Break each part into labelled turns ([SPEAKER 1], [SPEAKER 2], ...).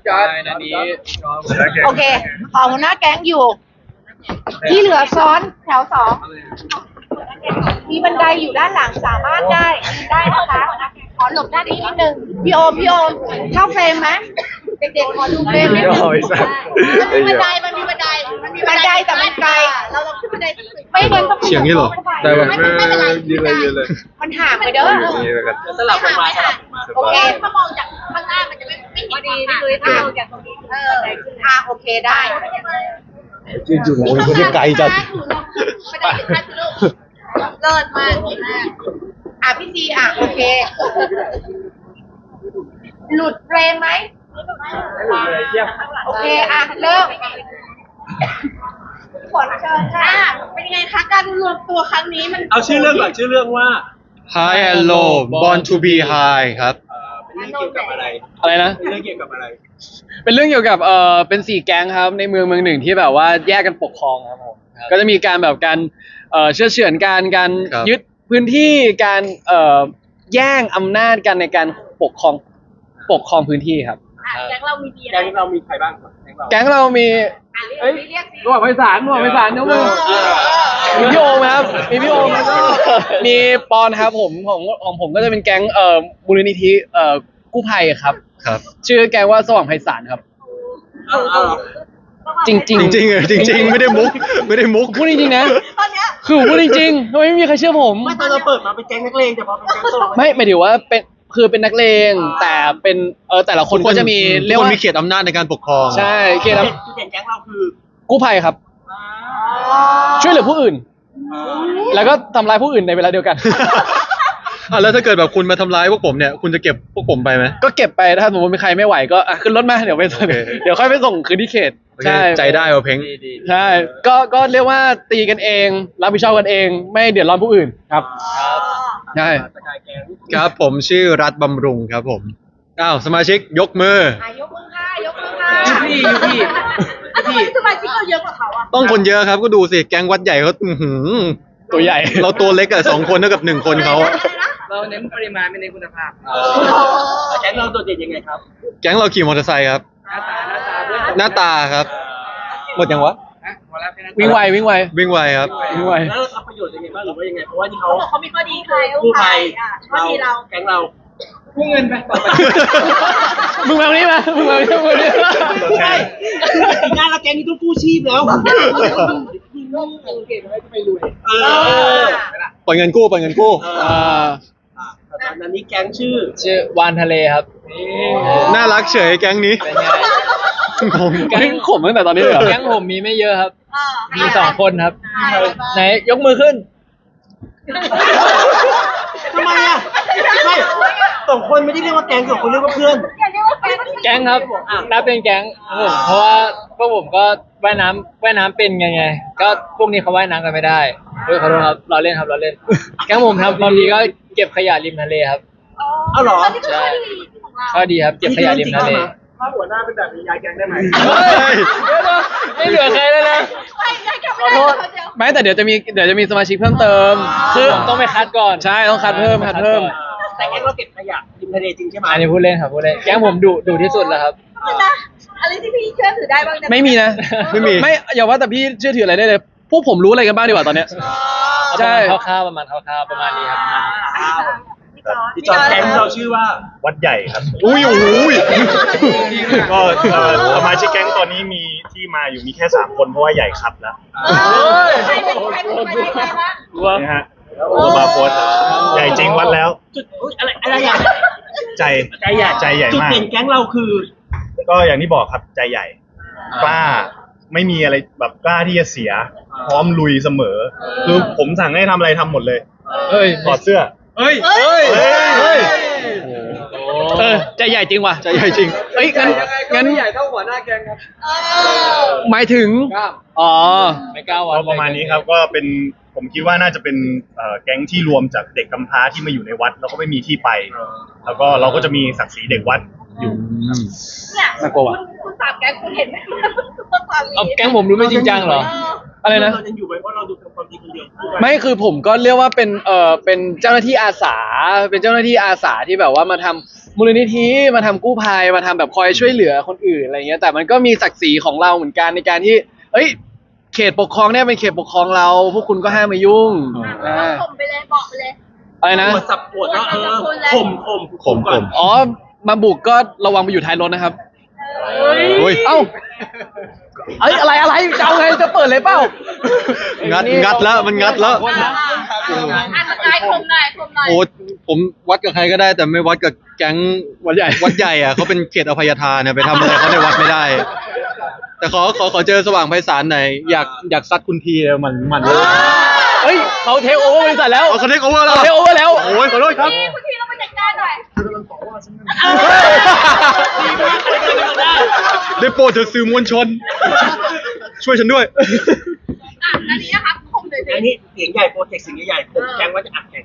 [SPEAKER 1] จัดอันนี้
[SPEAKER 2] โอเคขอหัวหน้าแก๊งอยู่ ที่เหลือซ้อนแถวสองมีบันไดอยู่ด้านหลังสามารถได้นะคะขอหลบด้านนี้นิดนึงพี่โอมเข้าเฟรมไหมเด็กๆขอดูเฟรมนิดนึงมันมีบันไดแต่มันไกลเราขึ้นบันไดไม่งั้นต้อง
[SPEAKER 3] เฉียงนี่หรอได้ป่ะ
[SPEAKER 2] ไม่เป็นไร
[SPEAKER 3] ยืนเลย
[SPEAKER 2] มันห่างไปเด้อ
[SPEAKER 3] นี่แล้วกัน
[SPEAKER 1] สลับกันมา
[SPEAKER 2] โอเคถ้ามองจากข้างหน้ามันจะไม่เห็นพอดีนี่เลยถ้ามองจากตรงนี้โอเคได้
[SPEAKER 3] จริงๆโอ้ยคนที่ไกลจัด
[SPEAKER 2] ไม่ได้ถึงขั้นลูกเลิศมากพี่ซีโอเคหลุดเฟรมไหมโอเคเริ่มขอเชิญค่ะเป็นยังไงคะการรวมตัวครั้งนี้มัน
[SPEAKER 1] เอาชื่อเรื่องก่อนชื่อเรื่องว่า
[SPEAKER 3] High and Low Born to be High ครับ
[SPEAKER 1] เป็นเรื่องเกี่ยวกับอะไร
[SPEAKER 4] อะไรนะ
[SPEAKER 1] เป็นเรื่องเกี่ยวกับอะไร
[SPEAKER 4] เป็นเรื่องเกี่ยวกับเป็น4แก๊งครับในเมืองหนึ่งที่แบบว่าแยกกันปกครองครับผมก็จะมีการแบบการเชื่อเฉือนการ
[SPEAKER 3] ครับ
[SPEAKER 4] ยึดพื้นที่การแย่งอำนาจกันในการปกครองพื้นที่ครับ
[SPEAKER 2] แก๊งเรามีดี
[SPEAKER 1] แก๊งเรามีใครบ้างแก๊งเรา
[SPEAKER 4] แก๊งเรามี
[SPEAKER 2] เอ้ยเรียกสิ
[SPEAKER 4] หมวกไพศาลยกมือมีพี่โอมครับมีพี่โอมแล้วก็มีปอนครับผมของผมก็จะเป็นแก๊งมูลนิธิกู้ภัยครับ
[SPEAKER 3] ครับ
[SPEAKER 4] ชื่อแก๊งว่าสว่างไพศาลครับ จริง
[SPEAKER 3] จริงๆจริงๆไม่ได้มุก
[SPEAKER 4] พูดจริงๆนะ
[SPEAKER 2] ตอนเนี้ย
[SPEAKER 4] คือพูดจริงๆทำไมไม่มีใครเชื่อผม
[SPEAKER 1] ไม่ตอนเราเปิดมาเป็นแก๊งนักเลงแต่พอเป็นแก๊งสลับ
[SPEAKER 4] ไม่หมายถึงว่าเป็นนักเลงแต่เป็นแต่ละคนก็จะมี
[SPEAKER 3] เรี
[SPEAKER 4] เรี
[SPEAKER 3] ย
[SPEAKER 4] ย
[SPEAKER 3] ก
[SPEAKER 4] ก
[SPEAKER 3] ว่า
[SPEAKER 4] ว่า
[SPEAKER 3] มีเขตอำนาจในการปกครอง
[SPEAKER 4] ใช่เขต
[SPEAKER 1] จุดเด่นแก๊งเราคือ
[SPEAKER 4] กู้ภัยครับ ช่วยเหลือผู้อื่น แล้วก็ทำร้ายผู้อื่นในเวลาเดียวกัน
[SPEAKER 3] แล้วถ้าเกิดแบบคุณมาทำร้ายพวกผมเนี่ยคุณจะเก็บพวกผมไปไหม
[SPEAKER 4] ก็เก็บไปถ้าสมมติมีใครไม่ไหวก็ขึ้นรถมาเดี๋ยวไปส่ง
[SPEAKER 3] โอเค
[SPEAKER 4] เดี๋ยวค่อยไปส่งคืนที่เขต
[SPEAKER 3] โอเค
[SPEAKER 4] ใช่
[SPEAKER 3] ใจได้เอาเพ้ง
[SPEAKER 4] ใช่ก็เรียกว่าตีกันเองรับผิดชอบกันเองไม่เดือดร้อนผู้อื่นครับใช่
[SPEAKER 1] สกายแก๊ง
[SPEAKER 3] ครับผมชื่อรัฐบำรุงครับผมสมาชิกยกมือ
[SPEAKER 2] ยกมือค่ะ
[SPEAKER 1] พี่
[SPEAKER 2] ทำไมสมาชิกเราเยอะกว่าเขาอ่ะ
[SPEAKER 3] ต้องคนเยอะครับก็ดูสิแก๊งวัดใหญ่เขาอื้อหือ
[SPEAKER 4] ตัวใหญ่
[SPEAKER 3] เราตัวเล็กอะ2 คนเท่ากับ1 คนเขาอะ
[SPEAKER 1] เราเน้นปริมาณไม่เน้นคุณภาพแก๊งเราโดดเด่นยังไงครับ
[SPEAKER 3] แก๊งเราขี่มอเตอร์ไซค์ครับ หน้าตาครับ หมดยังวะ
[SPEAKER 4] วิ่งไว
[SPEAKER 3] วิ่งไวครับ
[SPEAKER 4] วิ่งไว
[SPEAKER 1] แล้วเราทำประโยชน์ยังไงบ้างหรือว่ายังไงเพราะว่าที่เขา
[SPEAKER 2] เขาบอกเขามีข้อดีใคร
[SPEAKER 1] กู้ภัย
[SPEAKER 2] ข้อดีเรา
[SPEAKER 1] แก๊งเรากู้เงินไปต่อไป
[SPEAKER 4] มึงมานี่มามึงมานี่มา
[SPEAKER 1] ใช่ปีหน้าเราแก๊งนี้ต้องกู้ชีพแล้วเออ
[SPEAKER 3] ปล่อยเงินกู้
[SPEAKER 1] ตอนนี้แก๊งชื่อ
[SPEAKER 4] ชื่อวานทะเลครับ
[SPEAKER 3] น่ารักเฉยแก๊งนี้
[SPEAKER 4] เป็นไง
[SPEAKER 3] ผม
[SPEAKER 4] แก๊งขมตั้งแต่ตอนนี้เลยเหรอแก๊งผมมีไม่เยอะครับ มี2 คนครับ ไหนยกมือขึ้น
[SPEAKER 1] ทำไมอ่ะไม่2 คนไม่ได้เรียกว่าแก๊ง2 คนเรียกว่าเพื่อน
[SPEAKER 4] แก๊งครับนับเป็นแก๊งครับผมเพราะว่าพวกผมก็ว่ายน้ำเป็นไงก็พวกนี้เขาว่ายน้ำกันไม่ได้ขอโทษครับเราเล่นครับเราเล่น แก๊งผมครับบางทีก็เก็บขยะริมทะเลครับ
[SPEAKER 1] เอาเหรอ
[SPEAKER 4] ใช่ข้อดีครับเก็บขยะริมทะเล
[SPEAKER 1] ถ้าหัวหน้าเป็นแบบนี้ย้ายแก๊งได้ไหม
[SPEAKER 4] ไม่เหลือใครเลยนะขอโทษไม่แต่เดี๋ยวจะมีสมาชิกเพิ่มเติมคือต้องไปคัดก่อนใช่ต้องคัดเพิ่ม
[SPEAKER 1] แต่แก๊งเราเก็บขยะริมทะเลจริงใช่ไหม
[SPEAKER 4] อันนี้พูดเล่นครับพูดเล่นแก๊งผมดุที่สุดแล้วครับ
[SPEAKER 2] อะไรที่พี่เชื่อถือได้บ้างนะ
[SPEAKER 4] ไม่มีนะ ไม่อย่าว่าแต่พี่เชื่อถืออะไรได้เลยพวกผมรู้อะไรกันบ้างดีกว่าตอนเนี้ยใช่คร่าวๆประมาณนี้ครับ
[SPEAKER 1] พี่จอร์จแก๊งเราชื่อว่า
[SPEAKER 5] วัดใหญ่ครับ
[SPEAKER 3] อุ้ย
[SPEAKER 5] ก็สมาชิกแก๊งตอนนี้มีที่มาอยู่มีแค่3 คนเพราะว่าใหญ่คัดแล้ว
[SPEAKER 2] ใครเป็นใครวะ
[SPEAKER 5] นะฮะโอบาโพสใหญ่จริงวัดแล้ว
[SPEAKER 1] จุดอะไรอย่าง
[SPEAKER 5] ใจใหญ่
[SPEAKER 1] จุด
[SPEAKER 5] มาก
[SPEAKER 1] เด่นแก๊งเราคือ
[SPEAKER 5] ก็อย่างที่บอกครับใจใหญ่กล้าไม่มีอะไรแบบกล้าที่จะเสีย พร้อมลุยเสมอ คือผมสั่งให้ทำอะไรทำหมดเลย
[SPEAKER 4] เฮ้ย
[SPEAKER 5] ถอดเสื้อ
[SPEAKER 4] เฮ้ยใจใหญ่จริงว่ะ
[SPEAKER 3] ใจใหญ่จริง
[SPEAKER 4] เอ้ยงั้นใหญ่เท่าหัวหน้าแกงครับหมายถึงอ๋อไม่กล้า
[SPEAKER 5] ก็
[SPEAKER 4] วัด
[SPEAKER 5] ประมาณนี้ครับก็เป็นผมคิดว่าน่าจะเป็นแก๊งที่รวมจากเด็กกำพร้าที่มาอยู่ในวัดแล้วก็ไม่มีที่ไป แล้วก็เราก็จะมีศักดิ์ศรีเด็กวัดอยู่
[SPEAKER 2] เนี่ย
[SPEAKER 4] น่ากลัวว่ะ
[SPEAKER 2] คุณสามแก๊งคุณเห็นไหมความ
[SPEAKER 4] เอาแก๊งผมดูไม่จริงจังเหรออะไรนะ
[SPEAKER 1] เรายังอยู่ไหมเพราะเราดูเป็นความจริงคนเดียว
[SPEAKER 4] ไม่คือผมก็เรียกว่าเป็นเป็นเจ้าหน้าที่อาสาที่แบบว่ามาทำมูลนิธิมาทำกู้ภัยมาทำแบบคอยช่วยเหลือคนอื่นอะไรเงี้ยแต่มันก็มีศักดิ์ศรีของเราเหมือนกันในการที่เอ้ยเขตปกครองเนี่ยเป็นเขตปกครองเราพวกคุณก็ห้ามมายุ่ง
[SPEAKER 2] ข่มไปเลยบอกไปเลย
[SPEAKER 4] อะไรนะ
[SPEAKER 1] ปวดสับปวดแล้วข่มก่อน
[SPEAKER 4] อ๋อมาบุกก็ระวังไปอยู่ท้ายรถนะครับ
[SPEAKER 3] โอ้ย
[SPEAKER 4] เอ้าเอ้ยอะไรจะเอาไงจะเปิดเลยเปล่า
[SPEAKER 3] งัดแล้วมันงัดแล้ว
[SPEAKER 2] อ่ะสกายข่มหน่อย
[SPEAKER 3] โอ้ผมวัดกับใครก็ได้แต่ไม่วัดกับแก๊งวัดใหญ่อ่ะเขาเป็นเขตอภัยทานเนี่ยไปทำอะไรเขาในวัดไม่ได้ แต่ขอเจอสว่างไพศาลหน่อยอยากซัดคุณทีเลยมันเลย
[SPEAKER 4] เฮ้ยเขาเทคโอเวอร์บริษัทแล้ว
[SPEAKER 3] เขาเทคโอเวอร์แล้ว
[SPEAKER 4] เขาเทคโอเวอร์แล้ว
[SPEAKER 3] โอ้ยขอโทษครับ
[SPEAKER 2] พี่คุณทีเราไปจัดการหน่อย
[SPEAKER 3] ได้โปรดเถอะสื่อมวลชน ช่วยฉันด้วย
[SPEAKER 2] อ่ะอันนี้นะคะข่มเลยสิ
[SPEAKER 1] อันนี้เสียงใหญ่โปรเจกต์เสียงใหญ่ผมแกงว่าจะอัดแข่ง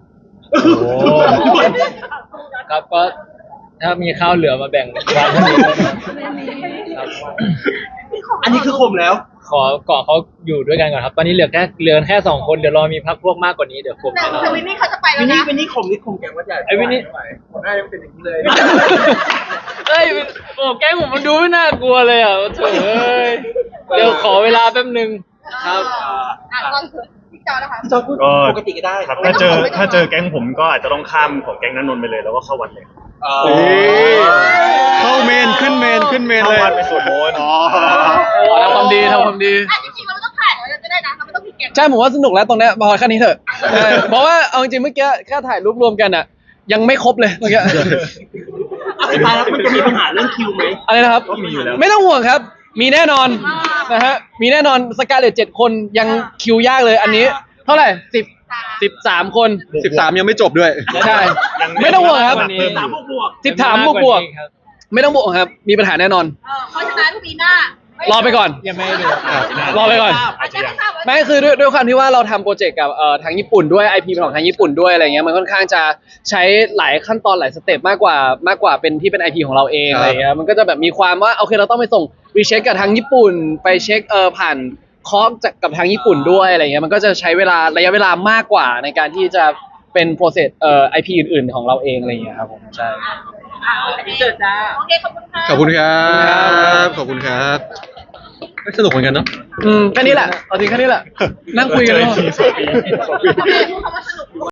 [SPEAKER 4] ครับก็ถ้ามีข้าวเหลือมาแบ่งกันวางก็ดีครับ
[SPEAKER 1] อันนี้คือข่มแล้ว
[SPEAKER 4] ขอเกาะเขาอยู่ด้วยกันก่อนครับ ตอนนี้เหลือแค่2 คนเดี๋ยวรอมีพักพวกมากกว่านี้เดี๋ยวผม
[SPEAKER 2] แต่
[SPEAKER 4] แน่นอน
[SPEAKER 2] แต่วินนี่เขาจะไปแล้
[SPEAKER 1] วิ
[SPEAKER 2] วน
[SPEAKER 1] นี่
[SPEAKER 2] นะ
[SPEAKER 1] วินนี่ข่มนี่ข่มแกงว่าใหญ่
[SPEAKER 4] ไอ้วินนี่
[SPEAKER 1] หน้ายังเป็นอย่างนี้เลย
[SPEAKER 4] เอ้ยโอ้แกล้งผมมันดูไม่น่ากลัวเลยอ่ะโถ่เอ้ยเดี๋ยวขอเวลาแป๊บนึงครับ
[SPEAKER 2] อ่ะก็คือพี่จอนะคะ
[SPEAKER 1] จอพูด
[SPEAKER 5] ก็
[SPEAKER 1] ปกติก็ได้
[SPEAKER 5] ครับถ้าเจอแก๊งผมก็อาจจะต้องข้ามของแก๊งนันนนท์ไปเลยแล้วก็เข้าวัดเลย
[SPEAKER 3] เอ้ยเข้าเมนขึ้นเมนเลย
[SPEAKER 5] เข้าวัดไปสวดมนต์
[SPEAKER 4] ทำความดีทำความดี
[SPEAKER 2] อ่ะจริงๆเราไม่ต้องถ่ายเราจะได้นะเราไม่ต้องผิดเก็บ
[SPEAKER 4] ใช่ผมว่าสนุกแล้วตรงเนี้ยพอแค่นี้เถอะเพราะว่าเอาจริงๆเมื่อกี้แค่ถ่ายรูปรวมกันอ่ะ ยังไม่ครบเลยเมื่อกี้
[SPEAKER 1] สุดท้ายแล้วมันจะมีปัญหาเรื่องคิวไหม
[SPEAKER 4] อะไรนะครับ
[SPEAKER 5] ก็มีอยู่แล้ว
[SPEAKER 4] ไม่ต้องห่วงครับ มีแน่นอนนะฮะมีแน่นอนสกาเลต7 คนยังคิวยากเลยอันนี้ เท่าไหร่13 คน
[SPEAKER 3] 13 ยังไม่จบด้วย
[SPEAKER 4] ใช่
[SPEAKER 5] ยัง
[SPEAKER 4] ไม่ต้องห่วงครับ
[SPEAKER 5] เพิ่ม
[SPEAKER 1] สาม
[SPEAKER 5] อยู่
[SPEAKER 1] บวก
[SPEAKER 4] 13 บวกไม่ต้องบวกครับ มีปัญหาแน่นอน
[SPEAKER 2] เพราะฉะนั้นปีหน้าร
[SPEAKER 4] อไปก่อน
[SPEAKER 6] ยังไม่ได้ดู
[SPEAKER 4] รอไปก่อน
[SPEAKER 2] อาจจะไม่ทราบว่า
[SPEAKER 4] ไม่คือด้วยความที่ว่าเราทำโปรเจกต์กับทางญี่ปุ่นด้วย IP เป็นของทางญี่ปุ่นด้วยอะไรเงี้ยมันค่อนข้างจะใช้หลายขั้นตอนหลายสเต็ปมากกว่าเป็นที่เป็น IP ของเราเอง
[SPEAKER 3] ครับ
[SPEAKER 4] อะไรเงี้ยมันก็จะแบบมีความว่าโอเคเราต้องไปส่งรีเช็คกับทางญี่ปุ่น ไปเช็คผ่านคอร์สกับทางญี่ปุ่นด้วยอะไรเงี้ยมันก็จะใช้ระยะเวลามากกว่าในการที่จะเป็นโปรเซสIP อื่นๆของเราเองอะไรเงี้ยครับผมใช่
[SPEAKER 2] โอเคเจอจ้าโอเคขอบคุณค่ะ
[SPEAKER 3] ขอบคุณครับขอบคุณครับสนุกเหมือนกันเนาะ
[SPEAKER 4] แค่นี้แหละเอาจริงแค่นี้แหละนั่งคุยกัน
[SPEAKER 5] เจอ
[SPEAKER 4] เนอะ
[SPEAKER 5] อีกที2 ปี
[SPEAKER 2] โอเคพูดคำว่าสนุก